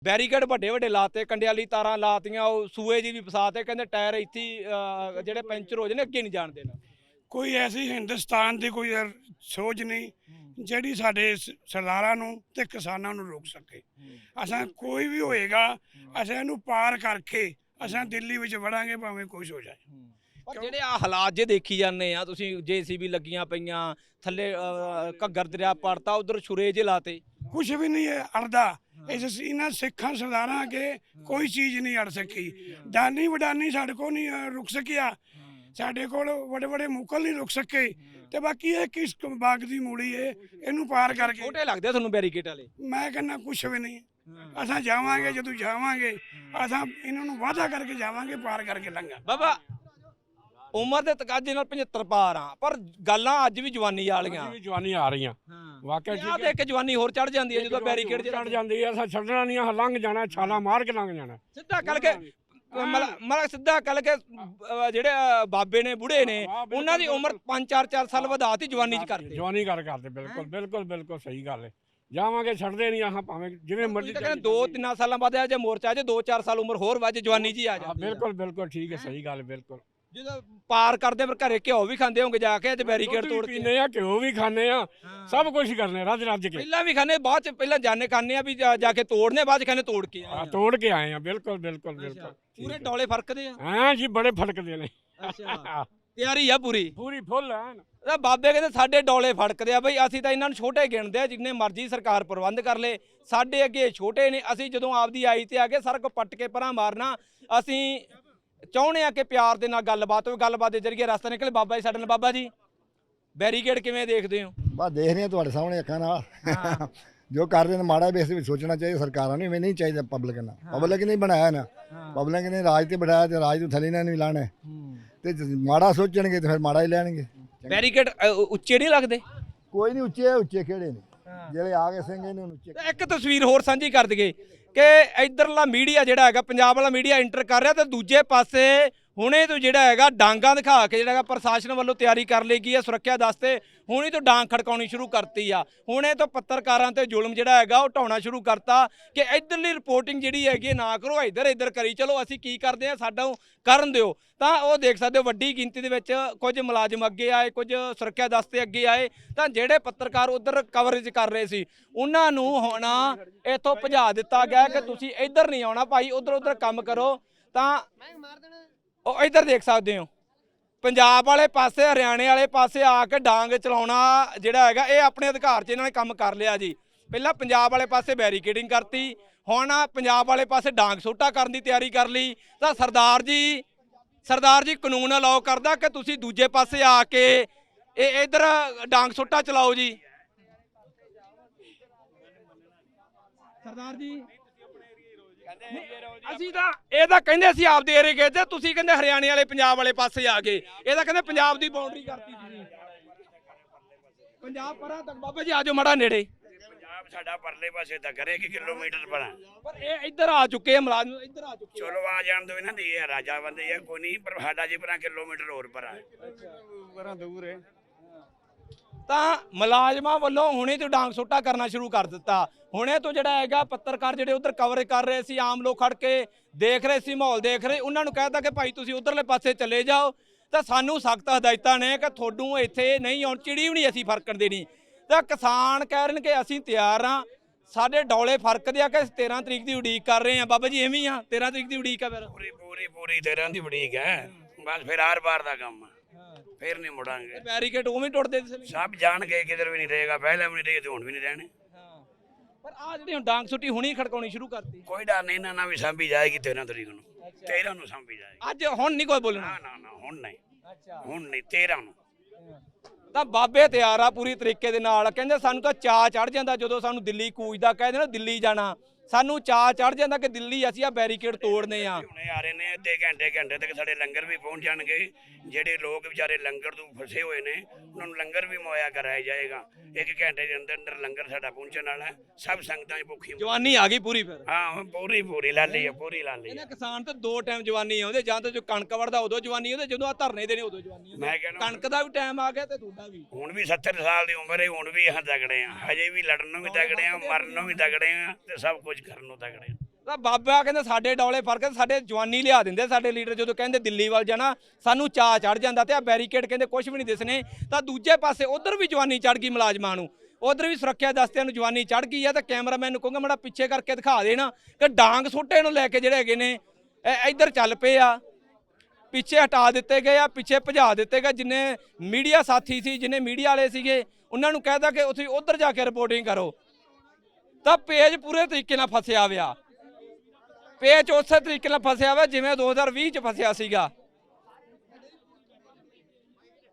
Barricade ਵੱਡੇ ਵੱਡੇ ਲਾਤੇ, ਕੰਡੇ ਵਾਲੀ ਤਾਰਾਂ ਲਾਤੀਆਂ, ਉਹ ਸੂਏ ਜੀ ਵੀ ਫਸਾਤੇ, ਕਹਿੰਦੇ ਟਾਇਰ ਇੱਥੇ ਜਿਹੜੇ ਪੈਂਚਰ ਹੋ ਜਾਣੇ ਅੱਗੇ ਨਹੀਂ ਜਾਣ ਦੇਣਾ। ਕੋਈ ਐਸੀ ਹਿੰਦੁਸਤਾਨ ਦੀ ਕੋਈ ਸੋਚ ਨਹੀਂ ਜਿਹੜੀ ਸਾਡੇ ਸਰਦਾਰਾਂ ਨੂੰ ਤੇ ਕਿਸਾਨਾਂ ਨੂੰ ਰੋਕ ਸਕੇ। ਅਸਾਂ ਕੋਈ ਵੀ ਹੋਏਗਾ ਅਸਾਂ ਇਹਨੂੰ ਪਾਰ ਕਰਕੇ ਅਸਾਂ ਦਿੱਲੀ ਵਿੱਚ ਵੜਾਂਗੇ ਭਾਵੇਂ ਕੁਛ ਹੋ ਜਾਏ। ਪਰ ਜਿਹੜੇ ਆ ਹਾਲਾਤ ਜੇ ਦੇਖੀ ਜਾਂਦੇ ਆ ਤੁਸੀਂ, JCB ਲੱਗੀਆਂ ਪਈਆਂ ਥੱਲੇ, ਘੱਗਰ ਦਰਿਆ ਪੜਤਾ, ਉਧਰ ਛੁਰੇ ਜੇ ਲਾਤੇ, ਕੁਛ ਵੀ ਨਹੀਂ ਹੈ ਅੜਦਾ। ਇਹਨਾਂ ਸਿੱਖਾਂ ਸਰਦਾਰਾਂ ਅੱਗੇ ਕੋਈ ਚੀਜ਼ ਨਹੀਂ ਅੜ ਸਕੀ। ਦਾਨੀ ਵਡਾਨੀ ਸਾਡੇ ਕੋਲ ਨਹੀਂ ਰੁਕ ਸਕਿਆ, ਸਾਡੇ ਕੋਲ ਵੱਡੇ ਵੱਡੇ ਮੁਕਲ ਨਹੀਂ ਰੁਕ ਸਕੇ। ਤੇ ਬਾਕੀ ਇਹ ਕਿਸ ਬਾਗ ਦੀ ਮੂੜੀ ਹੈ, ਇਹਨੂੰ ਪਾਰ ਕਰਕੇ ਛੋਟੇ ਲੱਗਦੇ ਆ ਤੁਹਾਨੂੰ ਬੈਰੀਕੇਡ ਵਾਲੇ? ਮੈਂ ਕਹਿੰਦਾ ਕੁਛ ਵੀ ਨਹੀਂ। ਅਸਾਂ ਜਾਵਾਂਗੇ, ਜਦੋਂ ਜਾਵਾਂਗੇ ਅਸਾਂ ਇਹਨਾਂ ਨੂੰ ਵਾਅਦਾ ਕਰਕੇ ਜਾਵਾਂਗੇ, ਪਾਰ ਕਰਕੇ ਲੰਘਾਂ। ਬਾਬਾ ਉਮਰ ਦੇ ਤਕਾਜ਼ੇ ਨਾਲ 75 ਪਾਰ ਆ, ਪਰ ਗੱਲਾਂ ਅੱਜ ਵੀ ਜਵਾਨੀ ਵਾਲੀਆਂ, ਵੀ ਜਵਾਨੀ ਆ ਰਹੀਆਂ ਵਾਕਿਆ ਆ ਤੇ ਇੱਕ ਜਵਾਨੀ ਹੋਰ ਚੜ ਜਾਂਦੀ ਹੈ ਜਦੋਂ ਬੈਰੀਕੇਡ ਚੜ ਜਾਂਦੀ ਹੈ। ਅਸਾਂ ਛੱਡਣਾ ਨਹੀਂ, ਲੰਘ ਜਾਣਾ, ਛਾਲਾ ਮਾਰ ਕੇ ਲੰਘ ਜਾਣਾ ਸਿੱਧਾ ਕੱਲ ਕੇ, ਮਤਲਬ ਸਿੱਧਾ ਕੱਲ ਕੇ ਜਿਹੜੇ ਬਾਬੇ ਨੇ ਬੁੜੇ ਨੇ ਉਹਨਾਂ ਦੀ ਉਮਰ 5-4 ਸਾਲ ਵਧਾਤੀ ਜਵਾਨੀ ਚ ਕਰਦੇ, ਜਵਾਨੀ ਕਰਦੇ। ਬਿਲਕੁਲ ਬਿਲਕੁਲ ਬਿਲਕੁਲ ਸਹੀ ਗੱਲ ਹੈ। ਜਾਵਾਂਗੇ ਛੱਡਦੇ ਨਹੀਂ ਆਹਾਂ, ਭਾਵੇਂ ਜਿਵੇਂ ਮਰਜ਼ੀ। ਕਹਿੰਦੇ 2-3 ਸਾਲਾਂ ਬਾਅਦ ਆ ਜੇ ਮੋਰਚਾ, ਜੇ 2-4 ਸਾਲ ਉਮਰ ਹੋਰ ਵੱਜ ਜਵਾਨੀ ਜੀ ਆ ਜਾਂਦੀ। ਬਿਲਕੁਲ ਬਿਲਕੁਲ ਠੀਕ ਹੈ, ਸਹੀ ਗੱਲ ਬਿਲਕੁਲ। ਜਦੋਂ ਪਾਰ ਕਰਦੇ ਫਿਰ ਘਰੇ ਘਿਓ ਵੀ ਖਾਂਦੇ ਹੋਗੇ ਜਾ ਕੇ, ਤੇ ਬੈਰੀਕੇਡ ਤੋੜ ਕੇ ਪੀਨੇ ਆ, ਘਿਓ ਵੀ ਖਾਣੇ ਆ, ਸਭ ਕੁਝ ਕਰਨੇ ਰੱਜ ਰੱਜ ਕੇ। ਪਹਿਲਾਂ ਵੀ ਖਾਣੇ, ਬਾਅਦ ਚ ਪਹਿਲਾਂ ਜਾਣੇ ਖਾਣੇ ਆ ਵੀ ਜਾ ਕੇ ਤੋੜਨੇ, ਬਾਅਦ ਚ ਖਾਣੇ ਤੋੜ ਕੇ ਤੋੜ ਕੇ ਆਏ ਆ। ਬਿਲਕੁਲ ਬਿਲਕੁਲ ਬਿਲਕੁਲ ਪੂਰੇ ਡੋਲੇ ਫਰਕਦੇ ਆ। ਹਾਂ ਜੀ, ਬੜੇ ਫੜਕਦੇ ਨੇ। ਅੱਛਾ, ਤਿਆਰੀ ਆ ਪੂਰੀ ਪੂਰੀ ਫੁੱਲ ਐਨ। ਬਾਬੇ ਕਹਿੰਦੇ ਸਾਡੇ ਡੋਲੇ ਫੜਕਦੇ ਆ ਬਈ, ਅਸੀਂ ਤਾਂ ਇਹਨਾਂ ਨੂੰ ਛੋਟੇ ਗਿਣਦੇ ਆ, ਜਿੰਨੇ ਮਰਜ਼ੀ ਸਰਕਾਰ ਪ੍ਰਬੰਧ ਕਰ ਲੇ, ਸਾਡੇ ਅੱਗੇ ਛੋਟੇ ਨੇ। ਅਸੀਂ ਜਦੋਂ ਆਪਦੀ ਆਈ ਤੇ ਆ ਕੇ ਸਾਰਾ ਕੁਝ ਪੱਟ ਕੇ ਪਰਾਂ ਮਾਰਨਾ। ਅਸੀਂ ਚਾਹੁੰਦੇ ਆ ਕਿ ਪਿਆਰ ਦੇ ਨਾਲ ਗੱਲਬਾਤ ਹੋਵੇ, ਗੱਲਬਾਤ ਦੇ ਜ਼ਰੀਏ ਰਸਤਾ ਨਿਕਲੇ। ਬਾਬਾ ਜੀ ਸਾਡੇ ਨਾਲ, ਬਾਬਾ ਜੀ ਬੈਰੀਕੇਡ ਕਿਵੇਂ ਦੇਖਦੇ ਹੋ? ਬਸ ਦੇਖ ਰਹੇ ਤੁਹਾਡੇ ਸਾਹਮਣੇ ਅੱਖਾਂ ਨਾਲ ਜੋ ਕਰ ਰਹੇ ਨੇ ਮਾੜਾ ਵੀ ਇਸ ਵਿੱਚ ਸੋਚਣਾ ਚਾਹੀਦਾ ਸਰਕਾਰਾਂ ਨੂੰ, ਇਵੇਂ ਨਹੀਂ ਚਾਹੀਦਾ ਪਬਲਿਕ ਨਾਲ। ਪਬਲਿਕ ਨੇ ਬਣਾਇਆ ਨਾ, ਪਬਲਿਕ ਨੇ ਰਾਜ ਤੇ ਬਿਠਾਇਆ ਤੇ ਰਾਜ ਨੂੰ ਥੱਲੇ ਨਾਲ ਨਹੀਂ ਲਾਣਾ, ਤੇ ਮਾੜਾ ਸੋਚਣਗੇ ਤੇ ਫਿਰ ਮਾੜਾ ਹੀ ਲੈਣਗੇ। ਬੈਰੀਕੇਡ ਉੱਚੇ ਨਹੀਂ ਲੱਗਦੇ? ਕੋਈ ਨਹੀਂ, ਉੱਚੇ ਉੱਚੇ ਕਿਹੜੇ ਨੇ ਜਿਹੜੇ ਆ ਗਏ ਸਿੰਘ ਇਹਨੂੰ ਉੱਚੇ। ਇੱਕ ਤਸਵੀਰ ਹੋਰ ਸਾਂਝੀ ਕਰ ਦਈਏ ਕਿ ਇਧਰਲਾ ਮੀਡੀਆ ਜਿਹੜਾ ਹੈਗਾ, ਪੰਜਾਬ ਵਾਲਾ ਮੀਡੀਆ ਇੰਟਰ ਕਰ ਰਿਹਾ, ਤੇ ਦੂਜੇ ਪਾਸੇ ਹੁਣੇ ਤੋਂ ਜਿਹੜਾ ਹੈਗਾ ਡਾਂਗਾਂ ਦਿਖਾ ਕੇ ਜਿਹੜਾ ਹੈਗਾ ਪ੍ਰਸ਼ਾਸਨ ਵੱਲੋਂ ਤਿਆਰੀ ਕਰ ਲਈ ਗਈ ਹੈ ਸੁਰੱਖਿਆ ਦਸਤੇ, ਹੁਣੇ ਤੋਂ ਡਾਂਗ ਖੜਕਾਉਣੀ ਸ਼ੁਰੂ ਕਰਤੀ ਆ। ਹੁਣੇ ਤੋਂ ਪੱਤਰਕਾਰਾਂ ਤੇ ਜ਼ੁਲਮ ਜਿਹੜਾ ਹੈਗਾ ਉਹ ਢਾਉਣਾ ਸ਼ੁਰੂ ਕਰਤਾ ਕਿ ਇਧਰਲੀ ਰਿਪੋਰਟਿੰਗ ਜਿਹੜੀ ਹੈਗੀ ਨਾ ਕਰੋ, ਇੱਧਰ ਕਰੀ ਚਲੋ, ਅਸੀਂ ਕੀ ਕਰਦੇ ਆ ਸਾਡਾ ਕਰਨ ਦਿਓ। ਤਾਂ ਉਹ ਦੇਖ ਸਕਦੇ ਹੋ ਵੱਡੀ ਗਿਣਤੀ ਦੇ ਵਿੱਚ ਕੁਝ ਮੁਲਾਜ਼ਮ ਅੱਗੇ ਆਏ, ਕੁਝ ਸੁਰੱਖਿਆ ਦਸਤੇ ਅੱਗੇ ਆਏ। ਤਾਂ ਜਿਹੜੇ ਪੱਤਰਕਾਰ ਉਧਰ ਕਵਰੇਜ ਕਰ ਰਹੇ ਸੀ ਉਹਨਾਂ ਨੂੰ ਹੁਣ ਇੱਥੋਂ ਭਜਾ ਦਿੱਤਾ ਗਿਆ ਕਿ ਤੁਸੀਂ ਇੱਧਰ ਨਹੀਂ ਆਉਣਾ ਭਾਈ, ਉਧਰ ਕੰਮ ਕਰੋ। ਤਾਂ ਉਹ ਇੱਧਰ ਦੇਖ ਸਕਦੇ ਹੋ ਪੰਜਾਬ ਵਾਲੇ ਪਾਸੇ, ਹਰਿਆਣੇ ਵਾਲੇ ਪਾਸੇ ਆ ਕੇ ਡਾਂਗ ਚਲਾਉਣਾ ਜਿਹੜਾ ਹੈਗਾ ਇਹ ਆਪਣੇ ਅਧਿਕਾਰ 'ਚ ਇਹਨਾਂ ਨੇ ਕੰਮ ਕਰ ਲਿਆ ਜੀ। ਪਹਿਲਾਂ ਪੰਜਾਬ ਵਾਲੇ ਪਾਸੇ ਬੈਰੀਕੇਡਿੰਗ ਕਰਤੀ, ਹੁਣ ਪੰਜਾਬ ਵਾਲੇ ਪਾਸੇ ਡਾਂਗ ਸੋਟਾ ਕਰਨ ਦੀ ਤਿਆਰੀ ਕਰ ਲਈ। ਤਾਂ ਸਰਦਾਰ ਜੀ ਕਾਨੂੰਨ ਅਲਾਉ ਕਰਦਾ ਕਿ ਤੁਸੀਂ ਦੂਜੇ ਪਾਸੇ ਆ ਕੇ ਇਹ ਇੱਧਰ ਡਾਂਗ ਸੋਟਾ ਚਲਾਓ ਜੀ। ਸਰਦਾਰ ਜੀ ਅਸੀਂ ਤਾਂ ਇਹ ਤਾਂ ਕਹਿੰਦੇ ਅਸੀਂ ਆਪਦੇ ਏਰੀਏ ਗਏ ਤੇ ਤੁਸੀਂ ਕਹਿੰਦੇ ਹਰਿਆਣੇ ਵਾਲੇ ਪੰਜਾਬ ਵਾਲੇ ਪਾਸੇ ਆ ਗਏ। ਇਹ ਤਾਂ ਕਹਿੰਦੇ ਪੰਜਾਬ ਦੀ ਬਾਉਂਡਰੀ ਕਰਤੀ ਤੁਸੀਂ, ਪੰਜਾਬ ਪਰਾਂ ਤੱਕ। ਬਾਬਾ ਜੀ ਆਜੋ ਮੜਾ ਨੇੜੇ। ਪੰਜਾਬ ਸਾਡਾ ਪਰਲੇ ਪਾਸੇ ਤੱਕ ਕਰੇ ਕਿ ਕਿਲੋਮੀਟਰ ਪਰਾਂ, ਪਰ ਇਹ ਇੱਧਰ ਆ ਚੁੱਕੇ ਆ ਮੁਲਾਜ਼ਮ, ਇੱਧਰ ਆ ਚੁੱਕੇ। ਚਲੋ ਆ ਜਾਣ ਦੋ ਇਹਨਾਂ ਦੀ, ਇਹ ਰਾਜਾ ਬੰਦੇ ਆ ਕੋਈ ਨਹੀਂ, ਪਰ ਸਾਡਾ ਜੀ ਪਰਾਂ ਕਿਲੋਮੀਟਰ ਹੋਰ ਪਰਾਂ ਦੂਰ ਹੈ। ਤਾਂ ਮੁਲਾਜ਼ਮਾਂ ਵੱਲੋਂ ਹੁਣੇ ਤੋਂ ਡਾਂਗ ਸੋਟਾ ਕਰਨਾ ਸ਼ੁਰੂ ਕਰ ਦਿੱਤਾ। ਹੁਣੇ ਤੋਂ ਜਿਹੜਾ ਹੈਗਾ ਪੱਤਰਕਾਰ ਜਿਹੜੇ ਉਧਰ ਕਵਰ ਕਰ ਰਹੇ ਸੀ, ਆਮ ਲੋਕ ਖੜ ਕੇ ਦੇਖ ਰਹੇ ਸੀ, ਮਾਹੌਲ ਦੇਖ ਰਹੇ, ਉਹਨਾਂ ਨੂੰ ਕਹਿਤਾ ਕਿ ਭਾਈ ਤੁਸੀਂ ਉਧਰਲੇ ਪਾਸੇ ਚਲੇ ਜਾਓ। ਤਾਂ ਸਾਨੂੰ ਸਖਤ ਹਦਾਇਤਾਂ ਨੇ ਕਿ ਤੁਹਾਨੂੰ ਇੱਥੇ ਨਹੀਂ ਆਉਣ, ਚਿੜੀ ਵੀ ਨਹੀਂ ਅਸੀਂ ਫਰਕਣ ਦੇਣੀ। ਤਾਂ ਕਿਸਾਨ ਕਹਿ ਰਹੇ ਨੇ ਕਿ ਅਸੀਂ ਤਿਆਰ ਹਾਂ, ਸਾਡੇ ਡੋਲੇ ਫਰਕਦੇ ਆ ਕਿ 13 ਤਰੀਕ ਦੀ ਉਡੀਕ ਕਰ ਰਹੇ ਆ। ਬਾਬਾ ਜੀ ਐਵੇਂ ਆ, 13 ਤਰੀਕ ਦੀ ਉਡੀਕ ਆ ਫਿਰ? ਪੂਰੀ 13 ਦੀ ਉਡੀਕ ਹੈ, ਬਸ ਫਿਰ ਆਰ ਪਾਰ ਦਾ ਕੰਮ, ਫਿਰ ਨਹੀਂ ਮੁੜਾਂਗੇ। ਬੈਰੀਕੇਡ ਉਵੇਂ ਟੁੱਟਦੇ ਸਭ ਜਾਣ ਕੇ ਕਿਧਰ ਵੀ ਨਹੀਂ ਰਹੇਗਾ, ਪਹਿਲਾਂ ਵੀ ਨਹੀਂ ਰਹੇ ਤੇ ਹੁਣ ਵੀ ਨਹੀਂ ਰਹਿਣੇ। ਪਰ ਆ ਜਿਹੜੀ ਹੁਣ ਡਾਂਗ ਸੁੱਟੀ ਹੁਣੀ ਖੜਕਾਉਣੀ ਸ਼ੁਰੂ ਕਰਤੀ। ਕੋਈ ਡਰ ਨਹੀਂ, ਇਹਨਾਂ ਨਾਲ ਵੀ ਸਾਂਭੀ ਜਾਏਗੀ 13 ਤਰੀਕ ਨੂੰ, 13 ਨੂੰ ਸਾਂਭੀ ਜਾਏਗੀ। ਅੱਜ ਹੁਣ ਨਹੀਂ ਕੋਈ ਬੋਲਣਾ? ਨਾ ਹੁਣ ਨਹੀਂ, ਹੁਣ ਨਹੀਂ, 13 ਨੂੰ। ਤਾਂ ਬਾਬੇ ਤਿਆਰ ਆ ਪੂਰੀ ਤਰੀਕੇ ਦੇ ਨਾਲ। ਕਹਿੰਦੇ ਸਾਨੂੰ ਤਾਂ ਚਾਅ ਚੜ ਜਾਂਦਾ ਜਦੋਂ ਸਾਨੂੰ ਦਿੱਲੀ ਕੂਚਦਾ, ਕਹਿੰਦੇ ਨਾ ਦਿੱਲੀ ਜਾਣਾ, ਸਾਨੂੰ ਚਾਅ ਚੜ ਜਾਂਦਾ ਕਿ ਦਿੱਲੀ ਅਸੀਂ ਆ ਬੈਰੀਕੇਡ ਤੋੜਨੇ ਆ। ਹੁਣੇ ਆ ਰਹੇ ਨੇ, ਅੱਧੇ ਘੰਟੇ ਤੱਕ ਸਾਡੇ ਲੰਗਰ ਵੀ ਪਹੁੰਚ ਜਾਣਗੇ। ਜਿਹੜੇ ਲੋਕ ਵਿਚਾਰੇ ਲੰਗਰ ਤੋਂ ਫਸੇ ਹੋਏ ਨੇ ਉਹਨਾਂ ਨੂੰ ਲੰਗਰ ਵੀ ਮੁਹੱਈਆ ਕਰਾਇਆ ਜਾਏਗਾ। 1 ਘੰਟੇ ਦੇ ਅੰਦਰ ਲੰਗਰ ਸਾਡਾ ਪਹੁੰਚਣ ਵਾਲਾ ਹੈ। ਸਭ ਸੰਗਤਾਂ ਦੀ ਭੁੱਖੀ ਜਵਾਨੀ ਆ ਗਈ ਪੂਰੀ ਫਿਰ? ਹਾਂ ਪੂਰੀ ਲਾਲੀ ਹੈ, ਪੂਰੀ ਲਾਲੀ ਹੈ। ਇਹਨਾਂ ਕਿਸਾਨ ਤਾਂ 2 ਟਾਈਮ ਜਵਾਨੀ ਆਉਂਦੇ, ਜਾਂ ਤਾਂ ਜੋ ਕਣਕ ਵੜਦਾ ਉਦੋਂ ਜਵਾਨੀ ਆਉਂਦੇ, ਜਦੋਂ ਆ ਧਰਨੇ ਦੇਣੇ ਉਦੋਂ ਜਵਾਨੀ ਆਉਂਦੇ। ਮੈਂ ਕਹਿੰਦਾ ਕਣਕ ਦਾ ਵੀ ਟਾਈਮ ਆ ਗਿਆ ਤੇ ਤੁਹਾਡਾ ਵੀ। ਹੁਣ ਵੀ 70 ਸਾਲ ਦੀ ਉਮਰ ਹੈ, ਹੁਣ ਵੀ ਤਗੜੇ ਆ, ਹਜੇ ਵੀ ਲੜਨ ਨੂੰ ਵੀ ਤਗੜੇ ਆ, ਮਰਨ ਨੂੰ ਵੀ ਤਗੜੇ ਆ, ਤੇ ਸਭ ਕੁਝ ਕਰਨ ਨੂੰ ਤਗੜੇ ਆ। ਤਾਂ ਬਾਬਾ ਕਹਿੰਦਾ ਸਾਡੇ ਡੌਲੇ ਫਰਕ ਸਾਡੇ ਜਵਾਨੀ ਲਿਆ ਦਿੰਦੇ ਸਾਡੇ ਲੀਡਰ ਜਦੋਂ ਕਹਿੰਦੇ ਦਿੱਲੀ ਵੱਲ ਜਾਣਾ ਸਾਨੂੰ ਚਾਅ ਚੜ ਜਾਂਦਾ ਤੇ ਆ ਬੈਰੀਕੇਡ ਕਹਿੰਦੇ ਕੁਝ ਵੀ ਨਹੀਂ ਦਿਸਣੇ ਤਾਂ ਦੂਜੇ ਪਾਸੇ ਉਧਰ ਵੀ ਜਵਾਨੀ ਚੜ ਗਈ ਮੁਲਾਜ਼ਮਾਂ ਨੂੰ ਉਧਰ ਵੀ ਸੁਰੱਖਿਆ ਦਸਤਿਆਂ ਨੂੰ ਜਵਾਨੀ ਚੜ ਗਈ ਆ ਤਾਂ ਕੈਮਰਾਮੈਨ ਨੂੰ ਕਹੂੰਗਾ ਮਾੜਾ ਪਿੱਛੇ ਕਰਕੇ ਦਿਖਾ ਦੇਣਾ ਕਿ ਡਾਂਗ ਸੋਟੇ ਨੂੰ ਲੈ ਕੇ ਜਿਹੜੇ ਹੈਗੇ ਨੇ ਇੱਧਰ ਚੱਲ ਪਏ ਆ ਪਿੱਛੇ ਹਟਾ ਦਿੱਤੇ ਗਏ ਆ ਪਿੱਛੇ ਭਜਾ ਦਿੱਤੇ ਗਏ ਜਿੰਨੇ ਮੀਡੀਆ ਸਾਥੀ ਸੀ ਜਿੰਨੇ ਮੀਡੀਆ ਵਾਲੇ ਸੀਗੇ ਉਹਨਾਂ ਨੂੰ ਕਹਿਦਾ ਕਿ ਤੁਸੀਂ ਉਧਰ ਜਾ ਕੇ ਰਿਪੋਰਟਿੰਗ ਕਰੋ ਤਾਂ ਪੇਜ ਪੂਰੇ ਤਰੀਕੇ ਨਾਲ ਫਸਿਆ ਹੋਇਆ ਪੇਜ ਉਸੇ ਤਰੀਕੇ ਨਾਲ ਫਸਿਆ ਹੋਇਆ ਜਿਵੇਂ 2020 ਚ ਫਸਿਆ ਸੀਗਾ